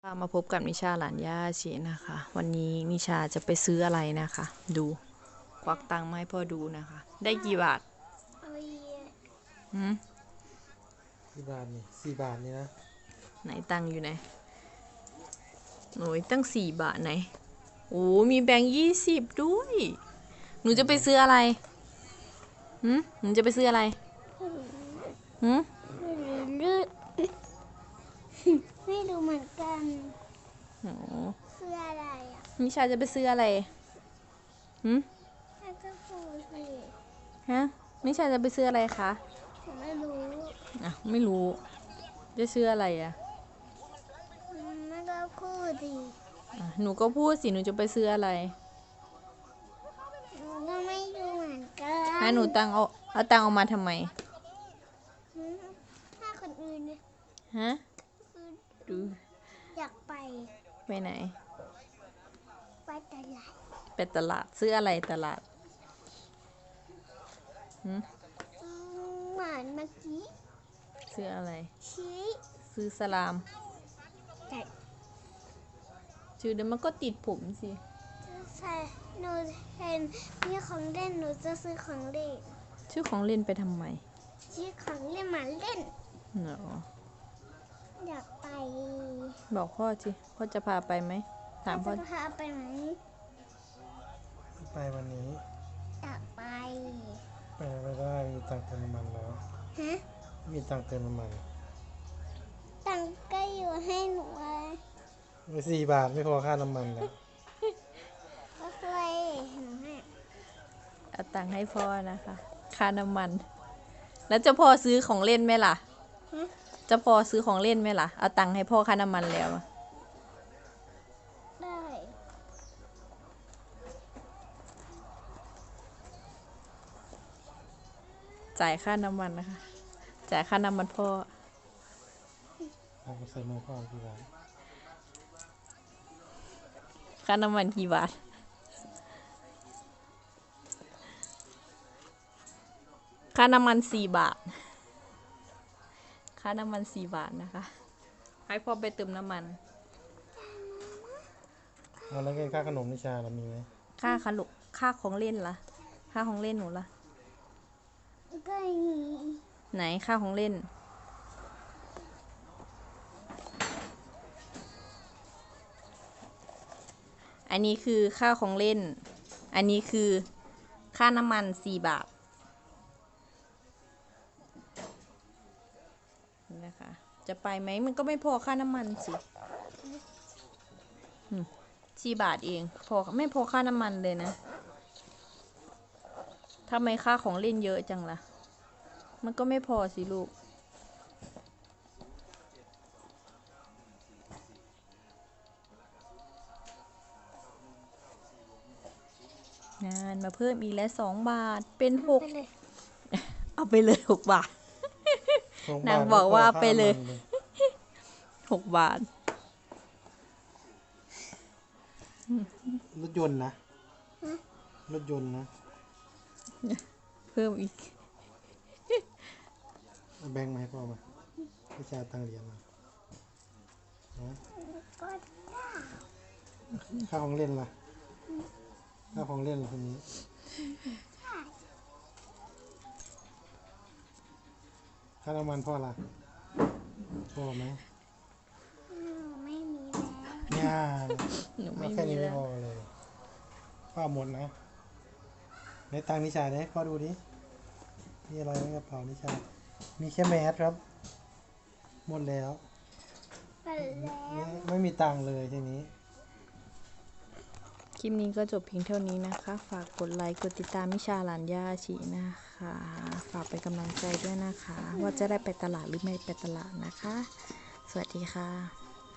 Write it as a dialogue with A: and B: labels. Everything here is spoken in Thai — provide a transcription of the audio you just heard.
A: มาพบกับนิชาหลานย่าชีนะคะ วันนี้นิชาจะไปซื้ออะไรนะคะ ดูควักตังค์มาให้พ่อดูนะคะ ได้กี่บาทหืม
B: กี่บาทนี่4 บาทนี่นะ
A: ไหนตังค์อยู่ไหนหนูตั้ง4 บาทไหนโอ้มีแบงค์20ด้วยหนูจะไปซื้ออะไรหนูจะไปซื้ออะไร
C: ไม่รู้เหมือนกัน
A: โอ้
C: ซื้ออะไรอ่ะ
A: นิชาจะไปซื้ออะไร
C: แล้วก็พูดสิ
A: ฮะนิชาจะไปซื้ออะไรคะ
C: ผมไม่รู้
A: ไม่รู้จะซื้ออะไร
C: ไม่ก็พูดดิ
A: หนูก็พูดสิหนูจะไปซื้ออะไร
C: หนูก็ไม่รู้เหมือนกัน
A: ให้หนูเอาตังค์ออกมาทำไม
C: ถ้าคนอื่นเนี่ย
A: ฮะดู
C: อยากไป
A: ไหน
C: ไปตลาด
A: ซื้ออะไรตลาด
C: เหมือนเมื่อกี้
A: ซื้ออะไร
C: ชี้
A: ซื้อสลาม
C: ใช่
A: ชื่อเดี๋ยวมันก็ติดผมสิ
C: ใช่หนูเห็นมีของเล่นหนูจะซื้อของเล่น
A: ชื่อของเล่นไปทำไม
C: ซื้อของเล่นมาเล่น
A: เนาะ
C: อยากไป
A: บอกพ่อสิพ่อจะพาไปไหมถามพ่อ
C: จะพาไปไหม
B: ไปวันนี้
C: อยากไป
B: ไม่ได้มีตังค์เติมน้ำมันแล้วมีตังค์เติมน้ำมัน
C: ตังค์ก็อยู่ให้หนู
B: ไป4 บาทไม่พอค่าน้ำมันแล้ว
C: ก็เคยหนูให้
A: เอาตังค์ให้พ่อนะคะค่าน้ำมันแล้วจะพอซื้อของเล่นไหมล่ะจะพอซื้อของเล่นไหมล่ะเอาตังค์ให้พ่อค่าน้ำมันแล้ว
C: ได้
A: จ่ายค่าน้ำมันนะคะจ่ายค่าน้ำมันพ่อ
B: เอาใส่มือพ่อกี่บาท
A: ค่าน้ำมันกี่บาทค่าน้ำมัน4 บาทค่าน้ำมัน4 บาทนะคะให้พ่อไปเติมน้ำมัน
B: แล้วค่าขนมนิชาเรามีไหม
A: ค่าของเล่นล่ะค่าของเล่นหนูล่ะ
C: ก็มี
A: ไหนค่าของเล่นอันนี้คือค่าของเล่นอันนี้คือค่าน้ำมัน4 บาทนะคะจะไปไหมมันก็ไม่พอค่าน้ำมันสิ4 บาทเองไม่พอค่าน้ำมันเลยนะทำไมค่าของเล่นเยอะจังล่ะมันก็ไม่พอสิลูกงานมาเพิ่มอีกแล้ว2 บาทเป็น6เอาไปเลย6 บาทนางบอกว่าไปเลย6 บาท
B: รถยนต์นะรถยนต์นะ
A: เพิ่มอีก
B: แบงค์มาให้พ่อมาวิชาตังเหรียญมาค่าของเล่นล่ะค่าของเล่นทีนี้ค่าน้ำมันพ่อล่ะพ่อไหม
C: ไม่มี
B: แล้วแค่นี้ไม่พอเลยพ่อหมดนะในตังนิชาเนี่ยพ่อดูดิมีอะไรในกระเป๋านิชามีแค่แมสครับหมดแล้วไม่มีตังเลยทีนี้
A: คลิปนี้ก็จบเพียงเท่านี้นะคะฝากกดไลค์กดติดตามนิชาหลานย่าชีนะคะฝากเป็นกำลังใจด้วยนะคะว่าจะได้ไปตลาดหรือไม่ไปตลาดนะคะสวัสดีค่ะ